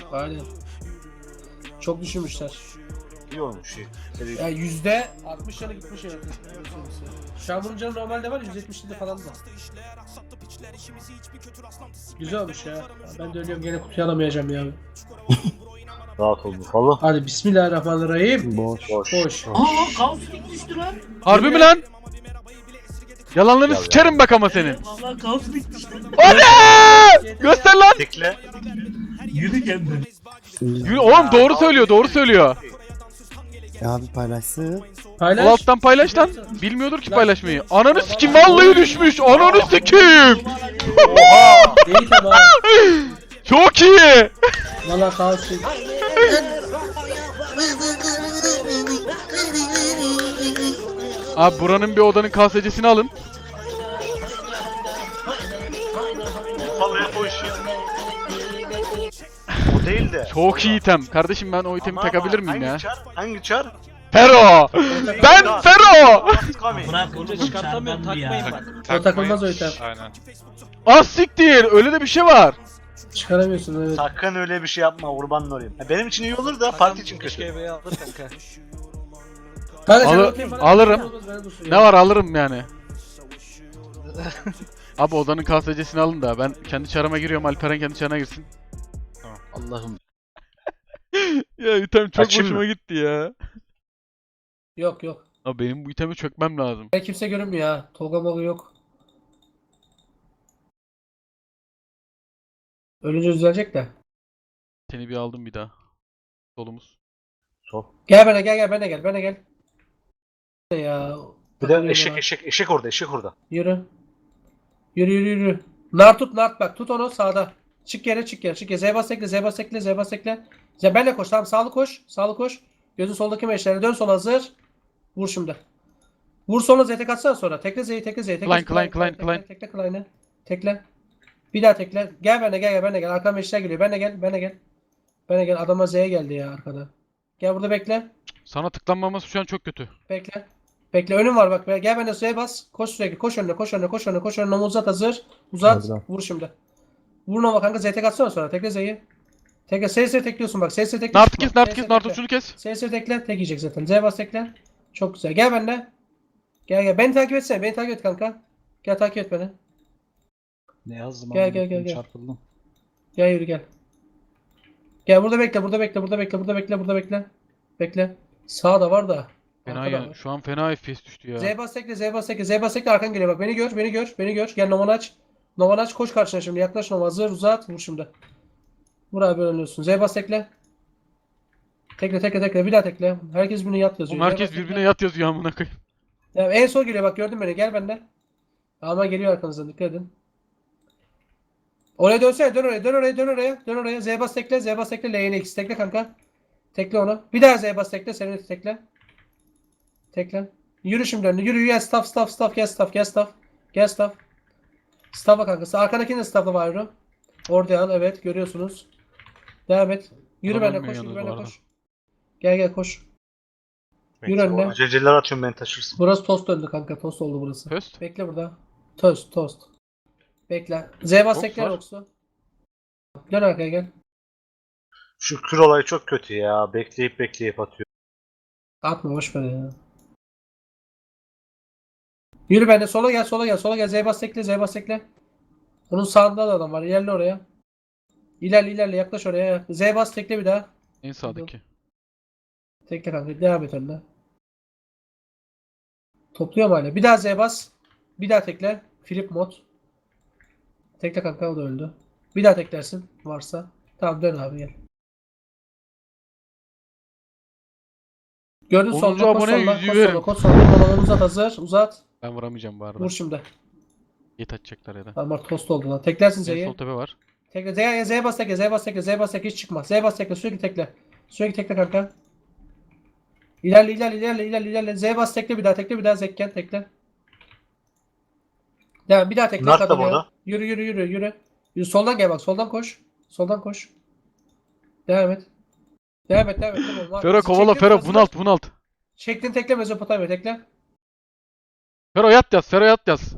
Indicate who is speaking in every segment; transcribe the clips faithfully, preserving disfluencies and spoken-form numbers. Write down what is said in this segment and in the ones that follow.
Speaker 1: Aynen. Çok düşünmüşler.
Speaker 2: İyi olmuş iyi. Seri.
Speaker 1: Yani yüzde altmış yanı gitmiş yani. Şu an bunun canı normalde var yüz yetmişte falan da. Güzel olmuş ya. Ben de ölüyorum gene kutuyu alamayacağım ya.
Speaker 2: Rahat oldu falan.
Speaker 1: Hadi bismillahirrahmanirrahim.
Speaker 2: Boş. Boş.
Speaker 1: Boş.
Speaker 3: Aa kaustik düştü lan.
Speaker 4: Harbi mi lan? Yalanlarını
Speaker 2: Ya,
Speaker 4: sikerim
Speaker 2: ya.
Speaker 4: bak ama senin.
Speaker 3: Vallahi kaustik düştü.
Speaker 4: Ana! Göster lan.
Speaker 2: Tekle.
Speaker 3: Yürü kendi.
Speaker 4: Yürü, oğlum doğru söylüyor, doğru söylüyor.
Speaker 5: Ya abi paylaşsın.
Speaker 1: Paylaş.
Speaker 4: Sol alttan paylaş lan. Bilmiyordur ki paylaşmayı. Ananı sikim vallahi düşmüş. Ananı sikim.
Speaker 2: Oha!
Speaker 1: İyi tamam.
Speaker 4: Çok iyi.
Speaker 1: Valla kalsın.
Speaker 4: Abi buranın bir odanın kasecesini alın.
Speaker 2: Vallahi o işi. O değil de.
Speaker 4: Çok iyi item. Kardeşim ben o itemi
Speaker 2: Ama
Speaker 4: takabilir miyim
Speaker 2: hangi
Speaker 4: ya?
Speaker 2: Çar? Hangi çar?
Speaker 4: Fero. Ben Fero.
Speaker 3: Bırak oğlum
Speaker 6: Çıkartamıyor, takmayın
Speaker 3: ya.
Speaker 6: bak.
Speaker 1: O takılmaz o item.
Speaker 6: Aynen.
Speaker 4: Az siktir. Öyle de bir şey var.
Speaker 1: Çıkaramıyorsun evet.
Speaker 2: Sakın öyle bir şey yapma kurbanın olayım. Ha, benim için iyi olur da parti için kötü.
Speaker 6: Keşke evi alır kanka.
Speaker 1: Kanka sen
Speaker 4: Al-
Speaker 1: okey bana-
Speaker 4: alırım.
Speaker 1: bana dursun
Speaker 4: Ne
Speaker 1: ya.
Speaker 4: var alırım yani. Abi odanın kasecesini alın da ben kendi çarıma giriyorum, Alperen kendi çarına girsin.
Speaker 2: Allah'ım.
Speaker 4: Ya item çok
Speaker 2: Açayım
Speaker 4: hoşuma
Speaker 2: mı?
Speaker 4: gitti ya.
Speaker 1: Yok yok.
Speaker 4: Abi benim bu itemi çökmem lazım.
Speaker 1: Ben kimse görünmüyor ha. Tolga Moga yok. Ölünce düzelecek de.
Speaker 4: Seni bir aldım bir daha. Solumuz.
Speaker 2: Sol.
Speaker 1: Gel bana gel gel bana gel bana gel. Ya.
Speaker 2: Bir de eşek eşek eşek orada eşek orada.
Speaker 1: Yürü. Yürü yürü yürü. Nar tut nar bak tut onu sağda. Çık yere çık yere çık yere. Zebas tekle Zebas tekle Zebas tekle. Ze benle koş tamam sağlı koş. Sağlı koş. Gözün soldaki meşlere dön sola hazır. Vur şimdi. Vur sonra Z tek atsana sonra. Tekle Z'yi tekle Z'yi tekle.
Speaker 4: Klein, Klein, Klein,
Speaker 1: tekle,
Speaker 4: Klein.
Speaker 1: Tekle Klein'i. Tekle. Bir daha tekle. Gel benle gel gel benle gel. Arkadan meşler geliyor. Benle gel benle gel. Benle gel. Adama Z'ye geldi ya arkada. Gel burada bekle.
Speaker 4: Sana tıklanmaması şu an çok kötü.
Speaker 1: Bekle. Bekle önüm var bak. Gel benimle suya bas. Koş sürekli. Koş önüne. Koş önüne. Koş önüne. Koş önüne. Uzat hazır. Uzat.
Speaker 5: Hazır.
Speaker 1: Vur şimdi. Vur Nova kanka. Z tek atsana sonra. Tekle Z'yi. Tekle. S S tekliyorsun bak. S S tekle.
Speaker 4: Nartı
Speaker 1: çıkma.
Speaker 4: kes, nartı
Speaker 1: S S
Speaker 4: kes, nartı
Speaker 1: tekle.
Speaker 4: şunu kes.
Speaker 1: S S tekle. Tek yiyecek zaten. Z bas tekle. Çok güzel. Gel benimle. Gel gel. Beni takip etsene. Beni takip et kanka. Gel takip et beni.
Speaker 7: Ne yazdım
Speaker 1: Gel,
Speaker 7: abi?
Speaker 1: gel, gel, gel.
Speaker 7: Çarpıldım.
Speaker 1: Gel yürü gel. Gel burada bekle. Burada bekle. Burada bekle. Burada bekle. Burada bekle. Bekle. Sağda var da.
Speaker 4: Fena
Speaker 1: Arkada
Speaker 4: ya.
Speaker 1: var.
Speaker 4: Şu an fena F P S düştü ya.
Speaker 1: Z bas tekle, Z bas tekle, Z bas tekle arkan geliyor bak. Beni gör, beni gör, beni gör. Gel Novan aç. Novan aç koş karşına şimdi. Yaklaş Nova hazır uzat. Vur şimdi. Vur abi önlüyorsun. Z bas tekle. Tekle tekle tekle bir daha tekle. Herkes birbirine yat yazıyor.
Speaker 4: Oğlum
Speaker 1: Z
Speaker 4: herkes
Speaker 1: bas tekle.
Speaker 4: birbirine yat yazıyor amına koyayım.
Speaker 1: Ya en son geliyor bak gördün beni. Gel bende. Ama geliyor arkanızdan dikkat edin. Oraya dönsene dön oraya dön oraya dön oraya dön oraya. Z bas tekle Z bas tekle L'ye X tekle kanka. Tekle onu. Bir daha Z bas tekle seni tekle. Tekle. Yürü şimdi önüne. Yürü gel staff staff staff gel staff gel staff. Gel staff. Staff'a kankası. Arkadakini de staff'a var yürü. Orada al evet görüyorsunuz. Devam et. Yürü
Speaker 4: Adam
Speaker 1: benimle
Speaker 4: ölmüyor
Speaker 1: koş yürü
Speaker 4: yalnız bu
Speaker 1: benimle
Speaker 4: arada.
Speaker 1: koş. Gel gel koş. Yürü önüne.
Speaker 2: Aceleler atıyorum beni taşırsın.
Speaker 1: Burası tost döndü kanka. Tost oldu burası.
Speaker 4: Höst.
Speaker 1: Bekle burada. Tost tost. Bekle. Z bas
Speaker 4: Oks
Speaker 1: tekler
Speaker 4: var.
Speaker 1: oksu. Dön arkaya gel.
Speaker 2: Şu kür olayı çok kötü ya. Bekleyip bekleyip atıyor.
Speaker 1: Atma boş ver ya. Yürü benimle sola gel sola gel sola gel. Z bas tekle Z bas tekle. Onun sağında da adam var. İlerle oraya. İlerle ilerle yaklaş oraya. Z bas tekle bir daha.
Speaker 4: En sağdaki.
Speaker 1: Tekle kanka. Devam et önüne. Topluyor mu hala? Bir daha Z bas. Bir daha tekle. Flip mod. Tekle kanka o da öldü. Bir daha teklersin varsa. Tamam dön abi gel. Gördün
Speaker 4: onuncu
Speaker 1: solda kod
Speaker 4: aboneye
Speaker 1: solda
Speaker 4: yüzüğü
Speaker 1: kod
Speaker 4: verin.
Speaker 1: solda kod solda. Dolanı uzat hazır. Uzat.
Speaker 4: Ben vuramayacağım bu arada.
Speaker 1: Vur şimdi.
Speaker 4: Yet açacaklar ya da.
Speaker 1: Tamam bak tost oldu lan. Teklersin
Speaker 4: En
Speaker 1: Z'yi.
Speaker 4: sol tepe var.
Speaker 1: Tekle Z, Z bas tekle Z bas tekle Z bas tekle hiç çıkma. Z bas tekle sürekli tekle. Sürekli tekle kanka. İlerle ilerle ilerle ilerle ilerle. Z bas tekle bir daha tekle bir daha zekken tekle. Devam bir daha tekle.
Speaker 2: Nart da
Speaker 1: kadın ya.
Speaker 2: burada.
Speaker 1: Yürü yürü yürü yürü. Yürü soldan gel bak soldan koş. Soldan koş. Devam et. Devam et devam et. Devam et.
Speaker 4: Fero kovala
Speaker 1: Çektin
Speaker 4: Fero
Speaker 1: burasını.
Speaker 4: bunalt bunalt.
Speaker 1: Çektin tekle Mezopotamya tekle.
Speaker 4: Fero yat yaz, Fero yat yaz.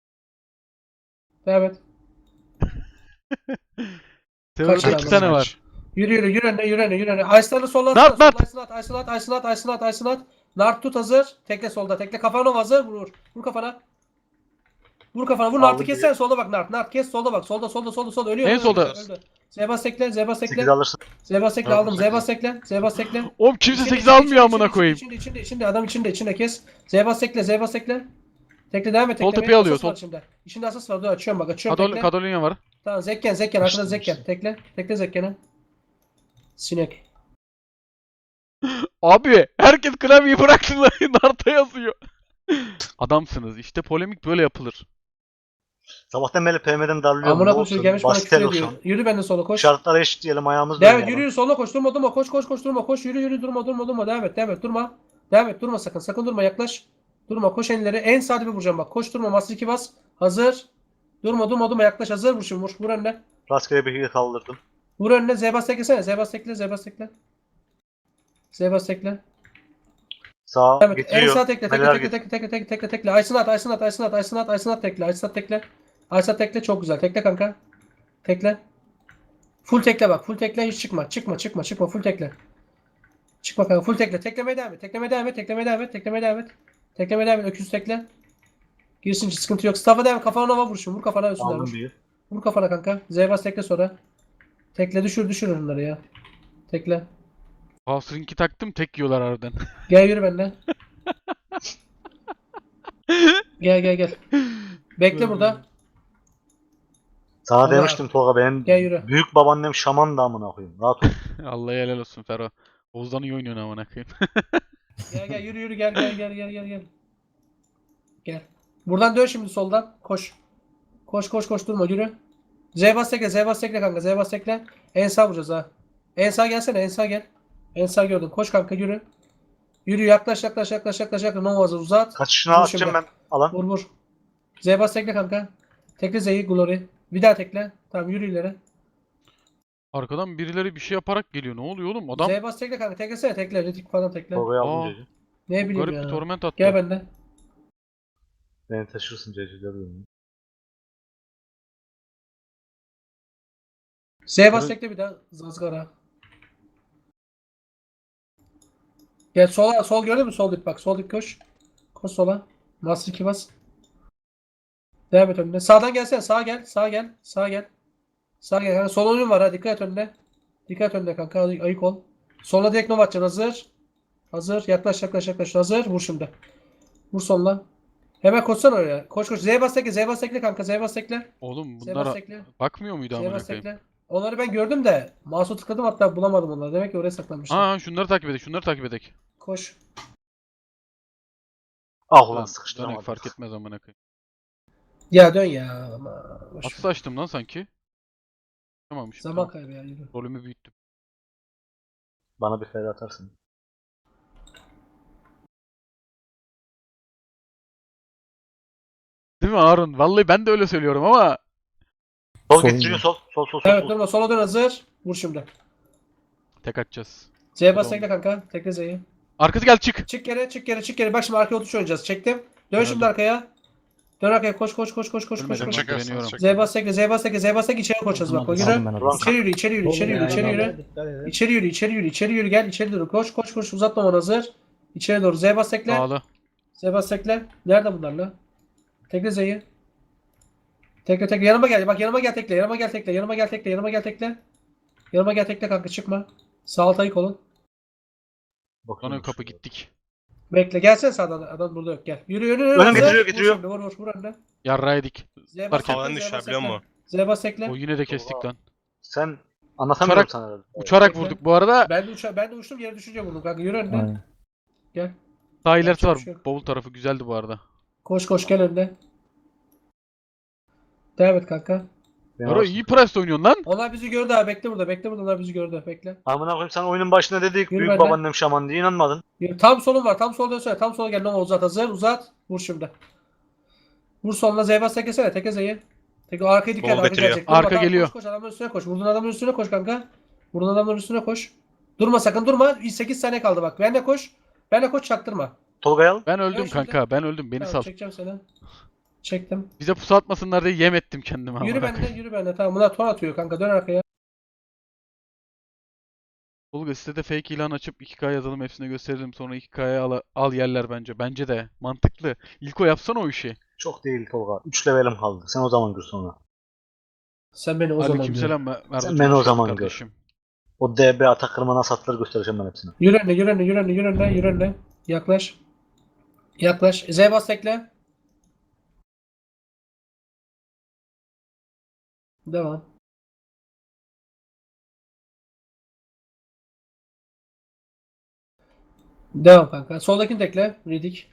Speaker 1: Devam et.
Speaker 4: Fero'da
Speaker 1: Kaç
Speaker 4: iki
Speaker 1: tane
Speaker 4: tane
Speaker 1: var?
Speaker 4: var.
Speaker 1: Yürü yürü yürü önüne yürü önüne yürü önüne. Aysinat'ı solla.
Speaker 4: Nart, Nart.
Speaker 1: Aysinat Aysinat Aysinat Aysinat Aysinat. Nart tut hazır. Tekle solda. Tekle kafana hazır. Vur. Vur kafana. Vur kafana. Vur
Speaker 2: Aldım
Speaker 1: Nart'ı
Speaker 2: bir.
Speaker 1: kessene solda bak Nart. Nart kes solda bak. Solda solda solda solda ölüyor.
Speaker 4: En
Speaker 1: öldü,
Speaker 4: solda.
Speaker 1: öldü. Zebas tekle. Zebas tekle.
Speaker 2: sekiz alırsın.
Speaker 1: Zebas tekle
Speaker 2: Yok,
Speaker 1: aldım.
Speaker 2: sekiz.
Speaker 1: Zebas tekle. Zebas tekle.
Speaker 4: Oğlum kimse
Speaker 1: İçinde,
Speaker 4: sekiz
Speaker 1: içinde,
Speaker 4: almıyor
Speaker 1: içinde,
Speaker 4: amına
Speaker 1: içinde,
Speaker 4: koyayım.
Speaker 1: İçinde içinde içinde adam içinde içinde kes. Zebas tekle. Zebas tekle. Tekle devam et.
Speaker 4: Sol
Speaker 1: teklemeye.
Speaker 4: tepeyi alıyor,
Speaker 1: Asas var
Speaker 4: sol-
Speaker 1: içinde. İçinde asas var. Dur açıyorum bak. Açıyorum
Speaker 4: Kadol
Speaker 1: tekle.
Speaker 4: Kadolinya var.
Speaker 1: Tamam Zekken Zekken. Arkada
Speaker 2: İşte,
Speaker 1: Zekken.
Speaker 2: işte.
Speaker 1: Tekle. Tekle Zekken'e. Sinek.
Speaker 4: Abi herkes klavyeyi bıraksın lan. Narta yazıyor. Adamsınız. İşte polemik böyle yapılır.
Speaker 2: Sabahtan beri P M'den darlıyorum.
Speaker 1: Amına
Speaker 2: Ne
Speaker 1: koyayım
Speaker 2: olsun?
Speaker 1: gelmiş bana küfür
Speaker 2: Bastel
Speaker 1: ediyor.
Speaker 2: olsun.
Speaker 1: Yürü benden sola koş.
Speaker 2: Şartlara eşitleyelim ayağımız
Speaker 1: Devam et
Speaker 2: dönüyor.
Speaker 1: yürü yürü sola koş durma durma koş koş koş durma koş yürü yürü durma durma durma devam et devam et durma. Devam et durma sakın sakın durma yaklaş. Durma koş enleri en sağ dibe vuracağım bak koş durma master iki bas. Hazır. Durma durma durma yaklaş hazır vur şimdi vur vur önüne.
Speaker 2: Rastgele bir hile kaldırdım.
Speaker 1: Vur önüne Zebas teklesene Zebas tekle Zebas tekle. Zebas tekle.
Speaker 2: Sağ
Speaker 1: Evet en
Speaker 2: getiriyor.
Speaker 1: sağ tekle tekle
Speaker 2: Neler
Speaker 1: tekle tekle tekle tekle tekle tekle. Aysun at Aysun at Aysun at Aysun at Aysun at tekle Aysun at tekle. Aysun at tekle çok güzel tekle kanka. Tekle. Full tekle bak full tekle hiç çıkma çıkma çıkma çıkma full tekle. Çıkma kanka full tekle. Teklemeye devam et. Teklemeye devam et. Teklemeye devam et. Teklemeye devam et. Teklemeye devam et. Öküz tekle. Girsin hiç sıkıntı yok. Staff'a devam et. Kafana nova vur şimdi. Vur kafana üstüne
Speaker 2: Aldım
Speaker 1: vur.
Speaker 2: bir.
Speaker 1: Vur kafana kanka. Zebas tekle sonra. Tekle düşür düşür onları ya. Tekle.
Speaker 4: Housering'i taktım tek yiyorlar aradan.
Speaker 1: Gel yürü benimle. Gel gel gel. Bekle burada.
Speaker 2: Sana
Speaker 1: Allah.
Speaker 2: demiştim Tolga benim
Speaker 1: Gel yürü.
Speaker 2: büyük babaannem şaman da amına koyayım. Rahat ol.
Speaker 4: Allah'a helal olsun Ferro. Oğuz'dan iyi oynuyorsun amına koyayım.
Speaker 1: Gel gel yürü yürü gel gel gel gel gel gel. Gel. Buradan dön şimdi soldan. Koş. Koş koş koş durma yürü. Zebas tekle Zebas tekle kanka Zebas tekle. En sağ vuracağız ha. En sağ gelsene en sağ gel. En sağ gördüm. Koş kanka yürü. Yürü yaklaş yaklaş yaklaş yaklaş yaklaş. Nova hazır uzat.
Speaker 2: Kaçışına
Speaker 1: Vur
Speaker 2: atacağım
Speaker 1: şimdi.
Speaker 2: ben. Alan.
Speaker 1: Vur vur. Zebas tekle kanka. Tekle Z'yi Glory. Bir daha tekle. Tamam yürü ileri.
Speaker 4: Arkadan birileri bir şey yaparak geliyor. Ne oluyor oğlum? Adam
Speaker 1: Zebas tekle kanka. Teklesene tekle. Ritik falan tekle.
Speaker 2: Tolga'ya
Speaker 4: Aa.
Speaker 2: aldım Ceci.
Speaker 1: Ne bileyim
Speaker 4: garip
Speaker 1: ya.
Speaker 4: bir torment attı.
Speaker 1: Gel benden.
Speaker 2: Beni taşırsın Ceci. Görüyorum.
Speaker 1: Zebas
Speaker 4: Karı-
Speaker 1: tekle bir daha. Zazgara. Gel sola. Sol gördün mü? Sol dip bak. Sol dip koş. Koş sola. Master iki bas. Devam et önüne. Sağdan gelsene. Sağa gel. Sağa gel. Sağa gel. Sağa gel. Kanka, sol oyun var ha. Dikkat et önüne. Dikkat et önüne kanka. Ay- Ayık ol. Sola direkt nova atacaksın. Hazır. Hazır. Yaklaş yaklaş yaklaş. Hazır. Vur şimdi. Vur solla. Hemen koşsana oraya. Koş koş. Z bas tekle. Z bas tekle kanka. Z bas tekle.
Speaker 4: Oğlum
Speaker 1: Z bas
Speaker 4: bunlara
Speaker 1: tekle.
Speaker 4: bakmıyor muydu
Speaker 1: Z
Speaker 4: amına
Speaker 1: bas
Speaker 4: koyayım?
Speaker 1: tekle. Onları ben gördüm de. Mouse'u tıkladım hatta bulamadım onları. Demek ki oraya saklanmışlar.
Speaker 4: Ha şunları takip edek, şunları takip edek.
Speaker 1: Koş.
Speaker 2: Ah ulan
Speaker 4: Lan
Speaker 2: sıkıştıramadım.
Speaker 4: dönek fark etmez amına koyayım.
Speaker 1: Ya dön ya. Ama boş ver.
Speaker 4: Atsı açtım lan sanki. Tamammış.
Speaker 1: Zaman
Speaker 4: Tamam.
Speaker 1: kaybı ya. Yürü.
Speaker 4: Rolümü büyüttüm.
Speaker 2: Bana bir feda atarsın.
Speaker 4: Değil mi Harun? Vallahi ben de öyle söylüyorum ama
Speaker 2: Sol
Speaker 5: Sol
Speaker 2: getiriyor
Speaker 5: mu?
Speaker 2: sol. Sol sol sol.
Speaker 1: Evet
Speaker 2: sol.
Speaker 1: durma. Sola dön hazır. Vur şimdi.
Speaker 4: tek atacağız.
Speaker 1: Z bas
Speaker 4: Tamam.
Speaker 1: tekle kanka. Tekle Z'yi.
Speaker 4: Arkası gel çık.
Speaker 1: Çık geri, çık geri, çık geri. Bak şimdi arkaya otuş oynayacağız. Çektim. Dön şimdi
Speaker 4: Öldüm.
Speaker 1: arkaya. Dön arkaya. Koş koş koş koş koş koş.
Speaker 4: Ölmedim
Speaker 1: koş.
Speaker 4: ben
Speaker 6: Çekersiniz,
Speaker 4: güveniyorum.
Speaker 6: çek.
Speaker 1: Zebas tekle, Zebas tekle, Zebas tekle içeri koşacağız bak. O
Speaker 5: Aldım
Speaker 1: yürü.
Speaker 5: ben
Speaker 2: Ulan
Speaker 5: onu.
Speaker 1: İçeri yürü, içeri yürü, içeri yürü, içeri yürü. İçeri yürü, içeri yürü, içeri yürü. Gel, içeri doğru. Koş, koş, koş. Uzatma onu hazır. İçeri doğru. Zebas tekle.
Speaker 4: Sağlı.
Speaker 1: Zebas tekle. Nerede bunlar lan? Tekle Z'yi. Tekle tekle. Yanıma gel. Bak yanıma gel tekle. Yanıma gel tekle. Yanıma gel tekle. Yanıma gel tekle. Yanıma gel tekle kanka çıkma. Sağ alt ayık olun.
Speaker 2: Bakıyorum
Speaker 4: Sonra kapı
Speaker 2: şuraya.
Speaker 4: gittik.
Speaker 1: Bekle. Gelsene sağdan. Adam burada yok. Gel. Yürü yürü yürü.
Speaker 2: Önüm
Speaker 1: hazır.
Speaker 2: getiriyor,
Speaker 1: Vur
Speaker 2: getiriyor.
Speaker 1: şimdi, Vur vur vur önüne.
Speaker 4: Yarra yedik.
Speaker 1: Zebas
Speaker 4: Fark
Speaker 1: tekle,
Speaker 6: Havadan
Speaker 1: Zebas
Speaker 6: düşer biliyor
Speaker 1: tekle.
Speaker 6: musun?
Speaker 1: Zebas tekle.
Speaker 4: O yine de kestik lan.
Speaker 2: Sen anlatamıyorum
Speaker 4: Uçarak-
Speaker 2: sana. herhalde.
Speaker 4: Uçarak
Speaker 1: Bekle.
Speaker 4: vurduk bu arada.
Speaker 1: Ben de uça ben de uçtum yere düşünce vurdum kanka. Yürü önüne.
Speaker 5: Aynen.
Speaker 1: Gel.
Speaker 4: Sağ ilerisi
Speaker 1: Yapacak
Speaker 4: var.
Speaker 1: bir şey yok.
Speaker 4: Bavul tarafı güzeldi bu arada.
Speaker 1: Koş koş gel önüne. Devam et kanka.
Speaker 2: Beni
Speaker 4: Yaro
Speaker 2: alırsın.
Speaker 4: iyi price oynuyorsun lan.
Speaker 1: Onlar bizi gördü abi. Bekle burada. Bekle burada. Onlar bizi gördü. Bekle.
Speaker 2: Amına koyayım sen oyunun başında dedik
Speaker 1: Yürü
Speaker 2: büyük
Speaker 1: benden.
Speaker 2: babaannem şaman diye inanmadın.
Speaker 1: Yürü. Tam solun var. Tam sola dönsene. Tam sola gel. Nova uzat. Hazır. Uzat. Vur şimdi. Vur soluna. Zebas teklesene. Tekle Z'yi. Tekle. Arkaya dikkat.
Speaker 6: Bol
Speaker 1: Arka
Speaker 6: getiriyor.
Speaker 1: gelecek. Durma,
Speaker 4: Arka
Speaker 1: tamam,
Speaker 4: geliyor.
Speaker 1: Koş koş. Adamın üstüne koş. Vurduğun adamın üstüne koş kanka. Vurduğun adamın üstüne koş. Durma sakın durma. sekiz saniye kaldı bak. Ben de koş. Ben de koş çaktırma.
Speaker 2: Tolga'yı al.
Speaker 4: Ben öldüm
Speaker 1: Gel şimdi.
Speaker 4: kanka. Ben öldüm. Beni
Speaker 1: Tamam,
Speaker 4: sal.
Speaker 1: çekeceğim seni. Çektim.
Speaker 4: Bize pusu atmasınlar diye yem ettim kendime.
Speaker 1: Yürü
Speaker 4: amına
Speaker 1: bende. Yürü bende. Tamam bunlar ton atıyor kanka. Dön arkaya.
Speaker 4: Tolga sitede fake ilan açıp iki K yazalım hepsine gösterelim sonra iki K'ya al, al yerler bence. Bence de mantıklı. İlko yapsana o işi.
Speaker 2: Çok değil Tolga. üç levelim kaldı. Sen o zaman gör sonra.
Speaker 1: Sen beni o zaman gör.
Speaker 4: Aleykümselam Mer- Merve.
Speaker 2: Sen
Speaker 4: çok
Speaker 2: beni o
Speaker 4: hoş geldin
Speaker 2: zaman gör.
Speaker 4: kardeşim.
Speaker 2: O D B atak kırma nasıl atılır göstereceğim ben hepsine.
Speaker 1: Yürü önüne, yürü önüne, yürü önüne, yürü önüne, yürü önüne. Yaklaş. Yaklaş. Z bas tekle. Devam. Devam kanka. Soldakini tekle. Ridik.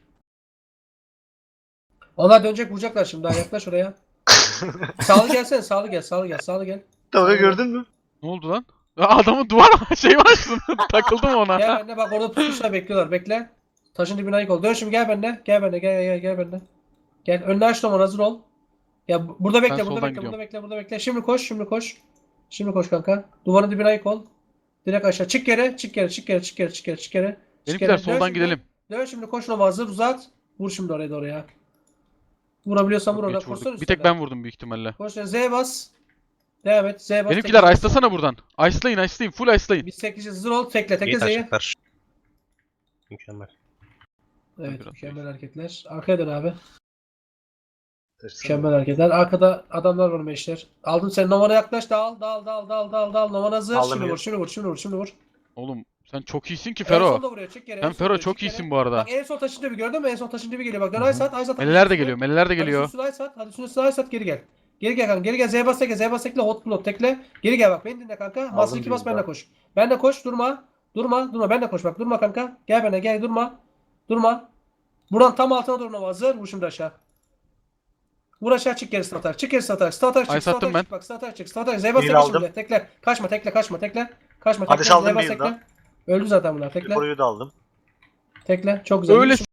Speaker 1: Onlar dönecek vuracaklar şimdi. Daha yaklaş oraya. Sağlı gelsene. Sağlı gel. Sağlı gel. Sağlı gel.
Speaker 2: Tolga gördün mü?
Speaker 4: Ne oldu lan? Ya adamın duvar şey var aslında. Takıldım ona.
Speaker 1: Gel benimle bak orada pusmuşlar bekliyorlar. Bekle. Taşın dibine ayık ol. Dön şimdi gel benimle. Gel benimle. Gel gel gel benimle. Gel. Önüne aç Roman hazır ol. Ya bu- burada bekle. Burada
Speaker 4: soldan
Speaker 1: bekle.
Speaker 4: gidiyorum.
Speaker 1: Burada bekle. Burada bekle. Şimdi koş. Şimdi koş. Şimdi koş kanka. Duvarın dibine ayık ol. Direkt aşağı. Çık geri. Çık geri. Çık geri. Çık geri. Çık geri. Çık geri. Çık
Speaker 4: Benimkiler
Speaker 1: geri. Dön
Speaker 4: soldan
Speaker 1: şimdi.
Speaker 4: gidelim.
Speaker 1: Dön şimdi koş Roman hazır. Uzat. Vur şimdi oraya doğru ya. Vurabiliyorsan vur
Speaker 4: Çok
Speaker 1: orada.
Speaker 4: geç
Speaker 1: Koşsana
Speaker 4: vurduk. Bir tek
Speaker 1: üstüne.
Speaker 4: ben vurdum büyük ihtimalle.
Speaker 1: Koş Z bas. Devam et. Z bas.
Speaker 4: Benimkiler
Speaker 1: tekle.
Speaker 4: ice'lasana buradan. Ice'layın ice'layın. Full ice'layın.
Speaker 1: Biz tekleyeceğiz. Hazır ol. Tekle. Tekle
Speaker 6: İyi
Speaker 1: Z'yi.
Speaker 6: taşaklar. Mükemmel.
Speaker 1: Evet.
Speaker 4: Biraz
Speaker 1: Mükemmel hareketler. Arkaya dön abi.
Speaker 2: Teşekkür
Speaker 1: Mükemmel hareketler. Arkada adamlar var meşler. Aldın sen Nova'na yaklaş. Dal dal dal dal dal dal. Novan hazır.
Speaker 2: Aldım
Speaker 1: Şimdi
Speaker 2: ya.
Speaker 1: vur. Şimdi vur. Şimdi vur. Şimdi vur.
Speaker 4: Oğlum sen çok iyisin ki
Speaker 1: En son
Speaker 4: Fero.
Speaker 1: da vuruyor. Çık geri. en
Speaker 4: Sen
Speaker 1: son
Speaker 4: Fero
Speaker 1: vuruyor,
Speaker 4: çok
Speaker 1: çık geri.
Speaker 4: iyisin bu arada.
Speaker 1: Bak en son taşın dibi gördün mü? En son taşın dibi geliyor. Bak dön
Speaker 4: Hı hı.
Speaker 1: Aysat. Aysat.
Speaker 4: Meleler de geliyor. Meleler de geliyor.
Speaker 1: Hadi Aysat. Hadi üstüne Aysat geri gel. Geri gel kanka. Geri gel. Z bas tekle. Z bas tekle. Hot block tekle. Geri gel bak. Beni dinle kanka. Master iki bas
Speaker 2: bir
Speaker 1: benimle
Speaker 2: daha.
Speaker 1: koş. Benimle koş. Durma. Durma. Durma. Benimle koş bak. Durma kanka. Gel benimle. Gel. Durma. Durma. Buradan tam altına doğru Nova hazır. Vur şimdi aşağı. Vur aşağı çık geri statar. Çık geri statar. Statar çık.
Speaker 4: Ay, sattım
Speaker 1: Statar
Speaker 4: ben.
Speaker 1: çık. Bak statar çık. Statar. Z bas
Speaker 2: Bir
Speaker 1: tekle
Speaker 2: aldım.
Speaker 1: şimdi. Tekle. Kaçma tekle. Kaçma tekle. Kaçma tekle.
Speaker 2: Hadi
Speaker 1: Z
Speaker 2: saldım
Speaker 1: bas
Speaker 2: bir
Speaker 1: tekle.
Speaker 2: daha.
Speaker 1: Öldü zaten bunlar. Tekle.
Speaker 2: Koruyu da aldım.
Speaker 1: Tekle. Çok güzel.
Speaker 4: Öyle
Speaker 1: Yürü